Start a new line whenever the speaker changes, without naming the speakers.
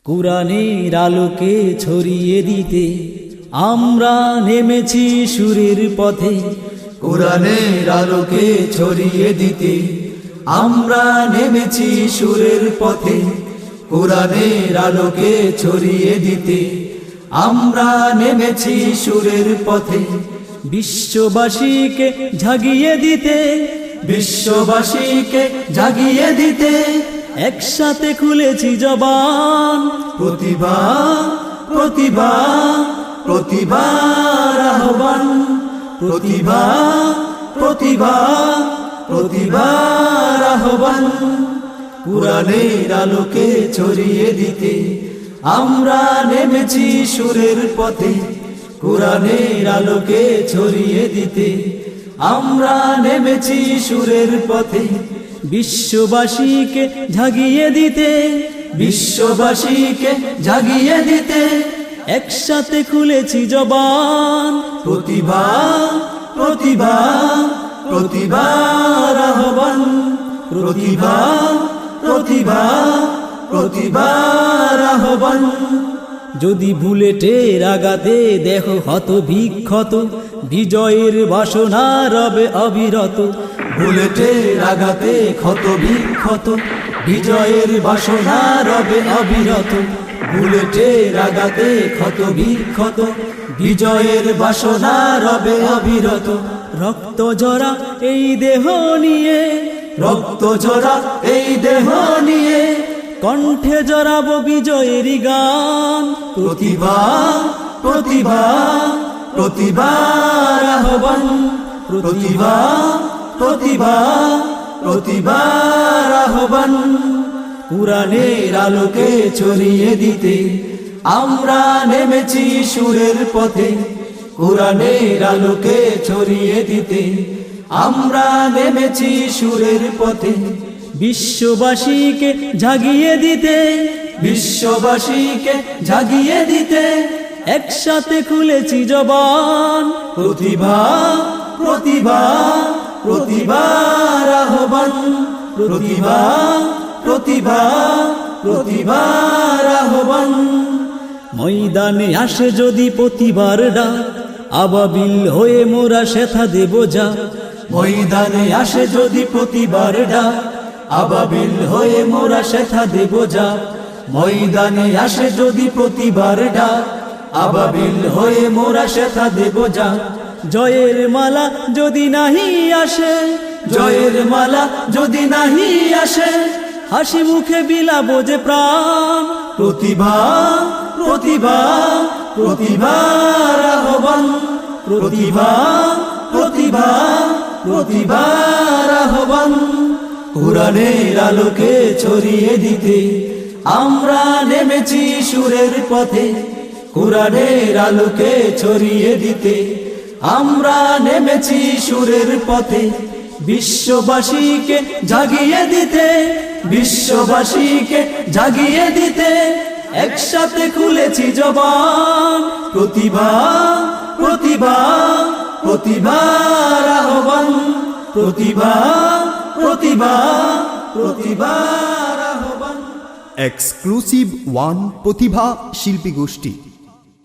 কুরআনের আলোকে ছড়িয়ে দিতে আমরা নেমেছি সুরের পথে।
কুরআনের আলোকে ছড়িয়ে দিতে আমরা নেমেছি সুরের পথে। কুরআনের আলোকে ছড়িয়ে দিতে আমরা নেমেছি সুরের পথে।
বিশ্ববাসীকে জাগিয়ে দিতে,
বিশ্ববাসীকে জাগিয়ে দিতে
একসাথে খুলেছি জবান।
প্রতিভা প্রতিভা প্রতিভার আহ্বান, প্রতিভা প্রতিভা প্রতিভার আহ্বান। কুরআনের আলোকে ছড়িয়ে দিতে আমরা নেমেছি সুরের পথে। কুরআনের আলোকে ছড়িয়ে দিতে আমরা নেমেছি সুরের পথে।
বিশ্ববাসীকে জাগিয়ে দিতে,
বিশ্ববাসীকে জাগিয়ে দিতে
একসাথে খুলেছি জবান।
প্রতিভা প্রতিভা প্রতিভার আহ্বান, প্রতিভা প্রতিভা প্রতিভার আহ্বান।
যদি বুলেটের আঘাতে দেহ ক্ষত বিক্ষত, বিজয়ের বাসনা রবে অবিরত।
বুলেটের আঘাতে ক্ষত বিক্ষত, বিজয়ের বাসনা রবে অবিরত। বুলেটের আঘাতে ক্ষত বিক্ষত, বিজয়ের বাসনা রবে অবিরত।
রক্ত ঝরা এই দেহ নিয়ে,
রক্ত ঝরা এই দেহ নিয়ে
কণ্ঠে জড়াবো বিজয়ের গান।
প্রতিভা প্রতিভা প্রতিভার আহ্বান, প্রতিভা প্রতিভা প্রতিভার আহ্বান। কুরআনের আলোকে ছড়িয়ে দিতে আমরা নেমেছি সুরের পথে। কুরআনের আলোকে ছড়িয়ে দিতে আমরা নেমেছি সুরের পথে।
বিশ্ববাসীকে জাগিয়ে দিতে,
বিশ্ববাসীকে জাগিয়ে দিতে
একসাথে খুলেছি জবান।
প্রতিভা প্রতিভা প্রতিভার আহ্বান, প্রতিভা প্রতিভা প্রতিভার আহ্বান।
ময়দানে আসে যদি প্রতিবার ডাক, আবাবিল হয়ে মোরা সেথা দেব যা।
ময়দানে আসে যদি প্রতিবার ডাক, আবাবিল হয়ে মোরা সেথা দেব যা। ময়দানে আসে যদি প্রতিবার ডাক, আবাবিল হয়ে মোরা সেথা দেব যা।
জয়ের মালা যদি নাহি আসে,
জয়ের মালা যদি নাহি আসে
হাসি মুখে বিলাবো যে প্রাণ।
প্রতিভা প্রতিভা প্রতিভার আহ্বান, প্রতিভা প্রতিভা প্রতিভার আহ্বান। কুরআনের আলোকে ছড়িয়ে দিতে আমরা নেমেছি সুরের পথে। কুরআনের আলোকে ছড়িয়ে দিতে আমরা নেমেছি সুরের পথে। বিশ্ববাসীকে জাগিয়ে দিতে, বিশ্ববাসীকে জাগিয়ে দিতে একসাথে খুলেছি জবান। প্রতিভা প্রতিভা প্রতিভার আহ্বান, প্রতিভা প্রতিভা প্রতিভার আহ্বান।
এক্সক্লুসিভ ওয়ান প্রতিভা শিল্পী গোষ্ঠী।